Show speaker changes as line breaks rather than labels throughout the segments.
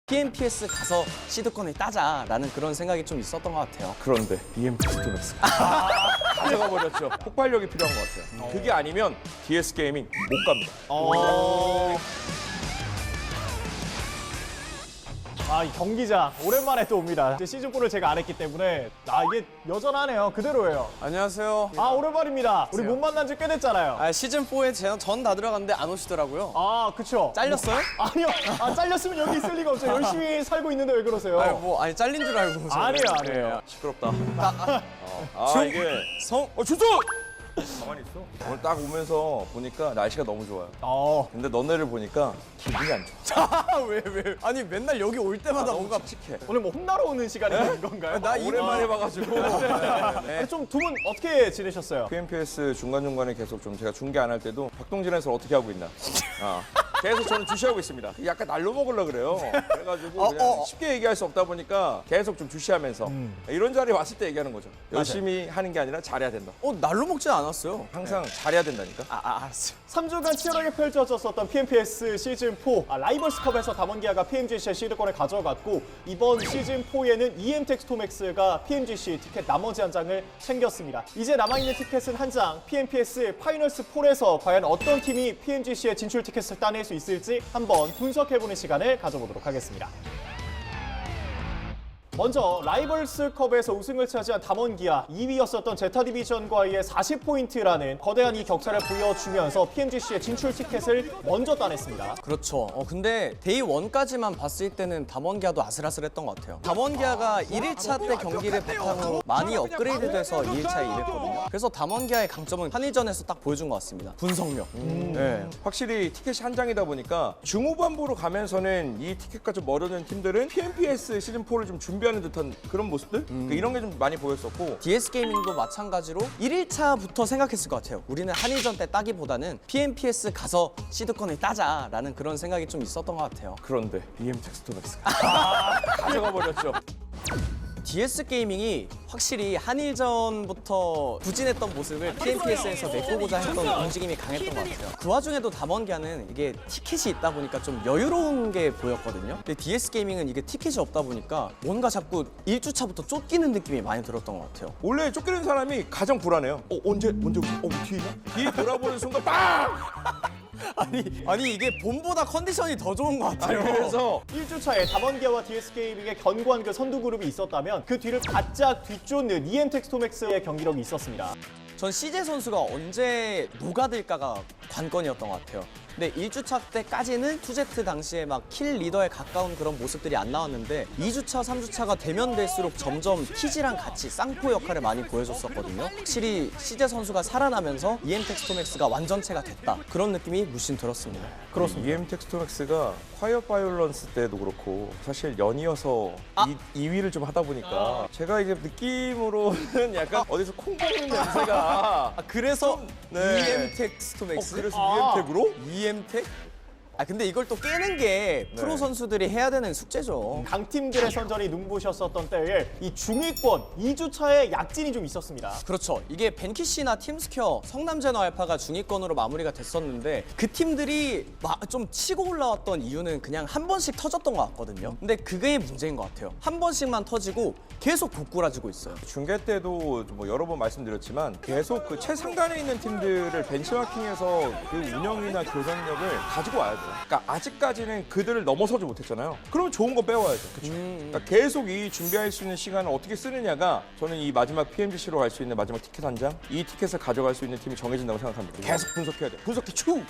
PNPS 가서 시드권을 따자라는 그런 생각이 좀 있었던 것 같아요.
그런데 EM텍스토맥스가 가져가 버렸죠. 폭발력이 필요한 것 같아요. 그게 아니면 DS 게이밍 못 갑니다.
아, 이 경기장 오랜만에 또 옵니다. 이제 시즌4를 제가 안 했기 때문에 이게 여전하네요. 그대로예요.
안녕하세요.
오랜만입니다. 우리 못 만난 지 꽤 됐잖아요.
시즌4에 전 다 들어갔는데 안 오시더라고요.
그쵸.
잘렸어요?
아니요. 잘렸으면 여기 있을 리가 없죠. 열심히 살고 있는데 왜 그러세요?
아니 잘린 줄 알고. 저는.
아니에요.
시끄럽다. 이게
주소!
가만히 있어. 오늘 딱 오면서 보니까 날씨가 너무 좋아요. 근데 너네를 보니까 기분이 안 좋아.
왜? 아니 맨날 여기 올 때마다 뭔가
칙칙해.
오늘 뭐 혼나러 오는 시간이 된 건가요?
나
오랜만에 봐가지고.
좀 두 분 어떻게 지내셨어요?
PNPS 중간중간에 계속 좀 제가 중계 안 할 때도 박동진 해설 어떻게 하고 있나. 계속 저는 주시하고 있습니다. 약간 날로 먹으려고 그래요. 그래가지고 그냥 쉽게 얘기할 수 없다 보니까 계속 좀 주시하면서 이런 자리에 왔을 때 얘기하는 거죠. 열심히 하는 게 아니라 잘해야 된다.
날로 먹진 않았어요.
항상 잘해야 된다니까.
알았어요.
3주간 치열하게 펼쳐졌었던 PNPS 시즌4 라이벌스컵에서 담원기아가 PMGC의 시드권을 가져갔고 이번 시즌4에는 EM텍스토맥스가 PMGC 티켓 나머지 한 장을 챙겼습니다. 이제 남아있는 티켓은 한 장, PNPS 파이널스4에서 과연 어떤 팀이 PMGC의 진출 티켓을 따낼 수 있을지 한번 분석해보는 시간을 가져보도록 하겠습니다. 먼저 라이벌스컵에서 우승을 차지한 담원기아 2위였었던 제타 디비전과의 40포인트라는 거대한 이 격차를 보여주면서 PMGC의 진출 티켓을 먼저 따냈습니다.
그렇죠. 근데 데이 1까지만 봤을 때는 담원기아도 아슬아슬했던 것 같아요. 담원기아가 1일차 때 경기를 바탕으로 많이 업그레이드돼서 2일차에 이랬거든요. 그래서 담원기아의 강점은 한일전에서 딱 보여준 것 같습니다. 분석력. 네.
확실히 티켓이 한 장이다 보니까 중후반부로 가면서는 이 티켓과 좀 멀어진 팀들은 PNPS 시즌4를 좀 준비하는 듯한 그런 모습들? 이런 게 좀 많이 보였었고
DS 게이밍도 마찬가지로 1일차부터 생각했을 것 같아요. 우리는 한일전 때 따기보다는 PNPS 가서 시드권을 따자라는 그런 생각이 좀 있었던 것 같아요.
그런데 EM텍스토맥스가 가져가 버렸죠.
DS 게이밍이 확실히 한일전부터 부진했던 모습을 PNPS에서 메꾸고자 했던 움직임이 강했던 것 같아요. 그 와중에도 담원기아는 이게 티켓이 있다 보니까 좀 여유로운 게 보였거든요. 근데 DS 게이밍은 이게 티켓이 없다 보니까 뭔가 자꾸 1주차부터 쫓기는 느낌이 많이 들었던 것 같아요.
원래 쫓기는 사람이 가장 불안해요. 언제 뒤에 있나? 뒤에 돌아보는 순간 빵!
아니 이게 봄보다 컨디션이 더 좋은 것 같아요.
그래서
1주차에 담원기아와 DS게이밍의 견고한 그 선두 그룹이 있었다면 그 뒤를 바짝 뒤쫓는 EM텍스토맥스의 경기력이 있었습니다.
전 CJ 선수가 언제 녹아들까가 관건이었던 것 같아요. 근데 1주차 때까지는 2Z 당시에 막 킬 리더에 가까운 그런 모습들이 안 나왔는데 2주차, 3주차가 되면 될수록 점점 TG랑 같이 쌍포 역할을 많이 보여줬었거든요. 확실히 CJ 선수가 살아나면서 EM텍스토맥스가 완전체가 됐다. 그런 느낌이 물씬 들었습니다.
그렇습니다. EM텍스토맥스가 콰이어 바이올런스 때도 그렇고 사실 연이어서 2위를 좀 하다 보니까 제가 이제 느낌으로는 약간 어디서 콩 먹는 냄새가
그래서
네.
EM텍스토맥스?
그래서 EM텍으로?
EM텍? 근데 이걸 또 깨는 게 프로 선수들이 해야 되는 숙제죠.
강팀들의 선전이 눈부셨었던 때에 이 중위권 2주차에 약진이 좀 있었습니다.
그렇죠. 이게 벤키시나 팀스퀘어, 성남제너 알파가 중위권으로 마무리가 됐었는데 그 팀들이 좀 치고 올라왔던 이유는 그냥 한 번씩 터졌던 것 같거든요. 근데 그게 문제인 것 같아요. 한 번씩만 터지고 계속 고꾸라지고 있어요.
중계 때도 뭐 여러 번 말씀드렸지만 계속 그 최상단에 있는 팀들을 벤치마킹해서 그 운영이나 교정력을 가지고 와야 돼요. 그러니까 아직까지는 그들을 넘어서지 못했잖아요. 그러면 좋은 거 빼와야죠. 그러니까 계속 이 준비할 수 있는 시간을 어떻게 쓰느냐가 저는 이 마지막 PMGC로 갈 수 있는 마지막 티켓 한 장, 이 티켓을 가져갈 수 있는 팀이 정해진다고 생각합니다. 계속 분석해야 돼요. 분석기 추!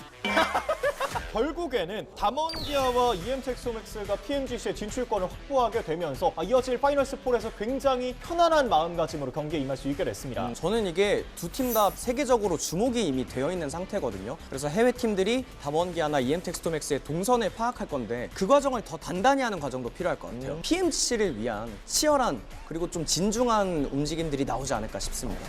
결국에는 담원기아와 EM텍스토맥스가 PMGC의 진출권을 확보하게 되면서 이어질 파이널스4에서 굉장히 편안한 마음가짐으로 경기에 임할 수 있게 됐습니다.
저는 이게 두 팀 다 세계적으로 주목이 이미 되어 있는 상태거든요. 그래서 해외 팀들이 담원기아나 EM텍스토맥스의 동선을 파악할 건데 그 과정을 더 단단히 하는 과정도 필요할 것 같아요. PMGC를 위한 치열한 그리고 좀 진중한 움직임들이 나오지 않을까 싶습니다.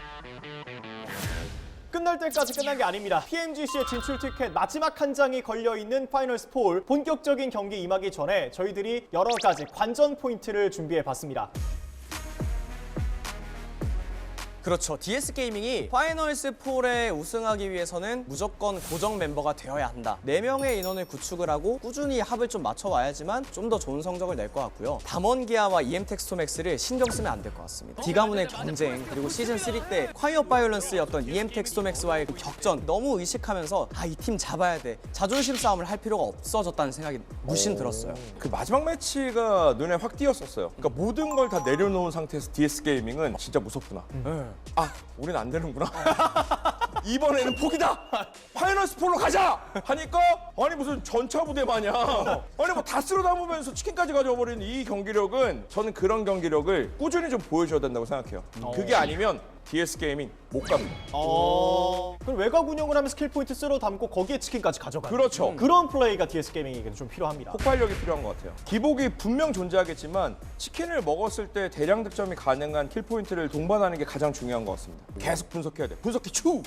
끝날 때까지 끝난 게 아닙니다. PMGC의 진출 티켓 마지막 한 장이 걸려있는 파이널스4 본격적인 경기 임하기 전에 저희들이 여러 가지 관전 포인트를 준비해 봤습니다.
그렇죠. DS 게이밍이 파이널스 4에 우승하기 위해서는 무조건 고정 멤버가 되어야 한다. 4명의 인원을 구축을 하고 꾸준히 합을 좀 맞춰와야지만 좀 더 좋은 성적을 낼 것 같고요. 담원기아와 EM텍스토맥스를 신경 쓰면 안 될 것 같습니다. 디가문의 경쟁 그리고 시즌 3 때 콰이어 바이올런스였던 EM텍스토맥스와의 그 격전 너무 의식하면서 이 팀 잡아야 돼. 자존심 싸움을 할 필요가 없어졌다는 생각이 물씬 들었어요.
그 마지막 매치가 눈에 확 띄었었어요. 그러니까 모든 걸 다 내려놓은 상태에서 DS 게이밍은 진짜 무섭구나. 우린 안 되는구나. 이번에는 포기다. 파이널스 4로 가자. 하니까 아니 무슨 전차 부대 마냥 아니 뭐 다 쓸어 담으면서 치킨까지 가져버리는 이 경기력은 저는 그런 경기력을 꾸준히 좀 보여줘야 된다고 생각해요. 그게 아니면 DS 게이밍 못 갑니다.
그럼 외곽 운영을 하면 스킬 포인트 쓸어 담고 거기에 치킨까지 가져가는
그렇죠.
그런 플레이가 DS 게이밍에게는 좀 필요합니다.
폭발력이 필요한 것 같아요. 기복이 분명 존재하겠지만 치킨을 먹었을 때 대량 득점이 가능한 킬 포인트를 동반하는 게 가장 중요한 것 같습니다. 계속 분석해야 돼. 분석기 추!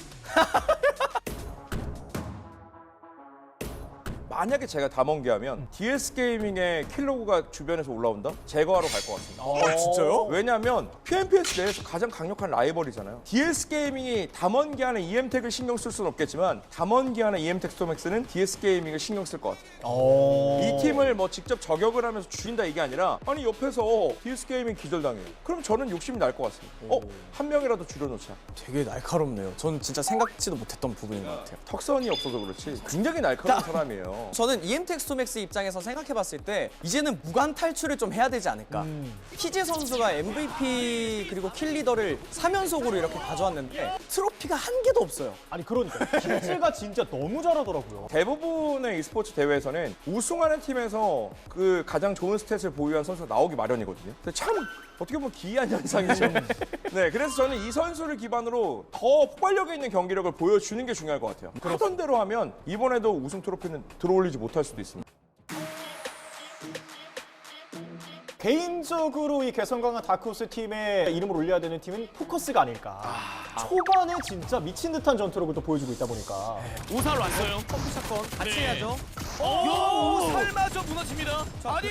만약에 제가 담원기하면 DS 게이밍의 킬로그가 주변에서 올라온다? 제거하러 갈 것 같습니다.
진짜요?
왜냐하면 PNPS 내에서 가장 강력한 라이벌이잖아요. DS 게이밍이 담원기하는 EM텍을 신경 쓸 수는 없겠지만 담원기하는 EM텍 스토맥스는 DS 게이밍을 신경 쓸 것 같아요. 이 팀을 뭐 직접 저격을 하면서 죽인다 이게 아니라 아니 옆에서 DS 게이밍 기절당해요. 그럼 저는 욕심이 날 것 같습니다. 한 명이라도 줄여놓자.
되게 날카롭네요. 전 진짜 생각지도 못했던 부분인 것 같아요.
턱선이 없어서 그렇지 굉장히 날카로운 사람이에요.
저는 EM텍스토맥스 입장에서 생각해봤을 때 이제는 무관 탈출을 좀 해야 되지 않을까. 피지 선수가 MVP 그리고 킬리더를 3연속으로 이렇게 가져왔는데 트로피가 한 개도 없어요.
아니 그러니까 킬즈가 진짜 너무 잘하더라고요.
대부분의 e스포츠 대회에서는 우승하는 팀에서 그 가장 좋은 스탯을 보유한 선수가 나오기 마련이거든요. 근데 참 어떻게 보면 기이한 현상이죠. 네, 그래서 저는 이 선수를 기반으로 더 폭발력 있는 경기력을 보여주는 게 중요할 것 같아요. 하던 대로 하면 이번에도 우승 트로피는 들어올리지 못할 수도 있습니다.
개인적으로 이 개성 강한 다크호스 팀의 이름을 올려야 되는 팀은 포커스가 아닐까. 초반에 진짜 미친 듯한 전투력을 또 보여주고 있다 보니까.
오살 왔어요.
샷건 같이
네.
해야죠.
오살마저 무너집니다. 아니,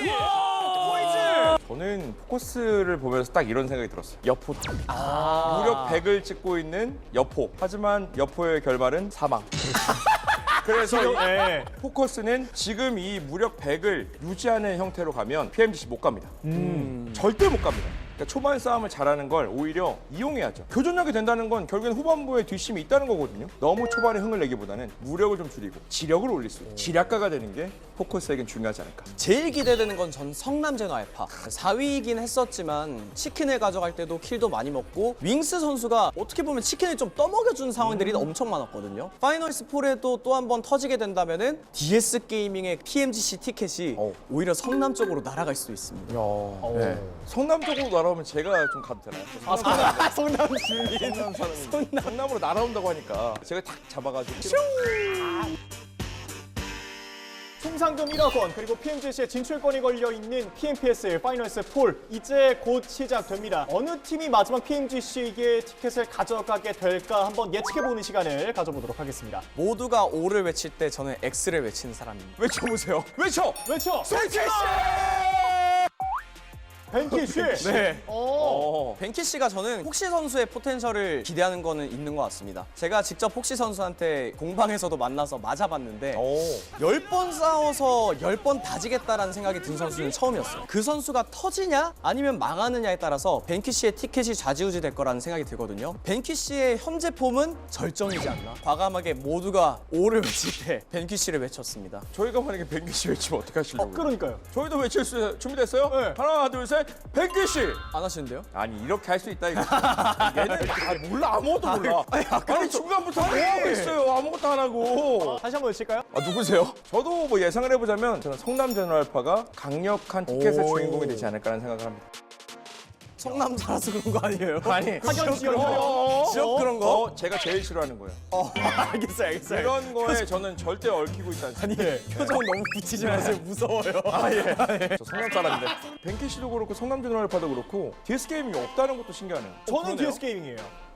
저는 포커스를 보면서 딱 이런 생각이 들었어요. 여포. 무력 100을 찍고 있는 여포. 하지만 여포의 결말은 사망. 그래서 이
네.
포커스는 지금 이 무력 100을 유지하는 형태로 가면 PMGC 못 갑니다. 절대 못 갑니다. 그러니까 초반 싸움을 잘하는 걸 오히려 이용해야죠. 교전력이 된다는 건 결국엔 후반부에 뒷심이 있다는 거거든요. 너무 초반에 흥을 내기보다는 무력을 좀 줄이고 지력을 올릴 수 있는 지략가가 되는 게 포커스에겐 중요하지 않을까.
제일 기대되는 건 전 성남 제노 알파. 4위이긴 했었지만 치킨을 가져갈 때도 킬도 많이 먹고 윙스 선수가 어떻게 보면 치킨을 좀 떠먹여준 상황들이 엄청 많았거든요. 파이널스 4에도 또 한 번 터지게 된다면은 DS 게이밍의 PMGC 티켓이 오히려 성남 쪽으로 날아갈 수도 있습니다.
네. 성남 쪽으로 날아오면 제가 좀 가도 되나요?
성남 주민.
성남 사람이 성남으로 날아온다고 하니까 제가 탁 잡아가지고
총 상금 1억 원 그리고 PMGC의 진출권이 걸려있는 PNPS 파이널스 4 이제 곧 시작됩니다. 어느 팀이 마지막 PMGC에게 티켓을 가져가게 될까 한번 예측해보는 시간을 가져보도록 하겠습니다.
모두가 O를 외칠 때 저는 X를 외치는 사람입니다.
외쳐보세요. 외쳐!
외쳐! 벤키쉬!
네.
오.
벤키 씨가 저는 폭시 선수의 포텐셜을 기대하는 거는 있는 것 같습니다. 제가 직접 폭시 선수한테 공방에서도 만나서 맞아봤는데 10번 싸워서 10번 다지겠다라는 생각이 든 선수는 처음이었어요. 그 선수가 터지냐 아니면 망하느냐에 따라서 벤키 씨의 티켓이 좌지우지 될 거라는 생각이 들거든요. 벤키 씨의 현재 폼은 절정이지 않나? 과감하게 모두가 O를 외칠 때 벤키 씨를 외쳤습니다.
저희가 만약에 벤기씨 외치면 어떻게 하시려고요?
그러니까요.
저희도 외칠 수 준비됐어요?
네.
하나 둘 셋 벤기씨!
안 하시는데요?
아니 이렇게 할 수 있다 이거. 얘는 몰라 아무것도 몰라. 아니 중간부터 뭐 하고 있어요 아무것도 안 하고.
다시 한번 외칠까요?
누구세요? 저도 뭐 예상을 해보자면 저는 성남 제너럴파가 강력한 티켓의 주인공이 되지 않을까라는 생각을 합니다.
성남 살아서 그런 거 아니에요?
아니
학연 지역
지역 그런 거?
제가 제일 싫어하는 거예요.
알겠어요.
이런 거에 저는 절대 얽히고 있지 않습니다.
표정 너무 붙이지 마세요. 무서워요.
저 성남 사람인데 벤키 씨도 그렇고 성남 제너럴파도 그렇고 DS 게임이 없다는 것도 신기하네요.
저는
그러네요.
DS 게이밍이에요.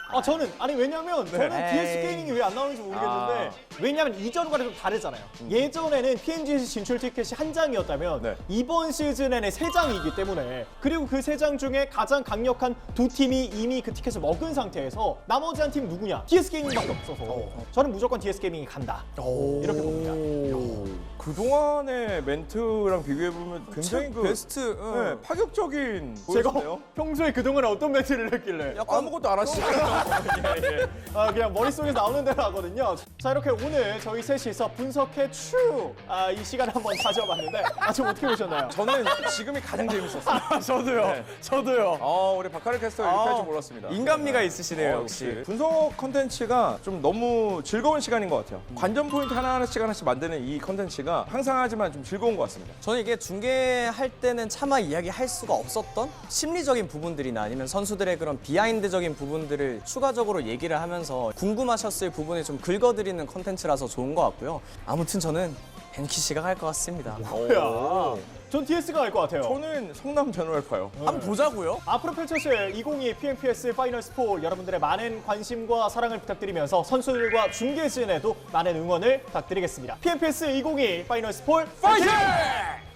저는 왜냐면 저는
에이.
DS 게이밍이 왜 안 나오는지 모르겠는데 왜냐면 이전과는 좀 다르잖아요. 예전에는 PMGC 진출 티켓이 한 장이었다면
네.
이번 시즌에는 세 장이기 때문에 그리고 그 세 장 중에 가장 강력한 두 팀이 이미 그 티켓을 먹은 상태에서 나머지 한 팀 누구냐? DS 게이밍밖에 없어서 저는 무조건 DS 게이밍이 간다. 이렇게 봅니다.
그동안의 멘트랑 비교해보면 굉장히 그
베스트.
네, 파격적인
제가
보였네요.
평소에 그동안 어떤 멘트를 했길래
아무것도 안 하시잖아요. 예, 예.
그냥 머릿속에서 나오는 대로 하거든요. 자, 이렇게 오늘 저희 셋이서 분석해 이 시간을 한번 가져봤는데 좀 어떻게 보셨나요?
저는 지금이 가장 재밌었어요.
저도요.
네.
저도요.
우리 박하르 캐스터가 이렇게 할 줄 몰랐습니다.
인간미가 있으시네요,
역시.
역시.
분석 컨텐츠가 좀 너무 즐거운 시간인 것 같아요. 관전 포인트 하나씩 만드는 이 컨텐츠가 항상 하지만 좀 즐거운 것 같습니다.
저는 이게 중계할 때는 차마 이야기할 수가 없었던 심리적인 부분들이나 아니면 선수들의 그런 비하인드적인 부분들을 추가적으로 얘기를 하면서 궁금하셨을 부분을 좀 긁어드리는 컨텐츠라서 좋은 것 같고요. 아무튼 저는 벤키 씨가 갈 것 같습니다.
야, 전 DS가 갈 것 같아요.
저는 성남 제노알파요.
한번 보자고요.
앞으로 펼쳐질 2022 PMPS 파이널 스포 여러분들의 많은 관심과 사랑을 부탁드리면서 선수들과 중계진에도 많은 응원을 부탁드리겠습니다. PMPS 2022 파이널 스포 파이팅!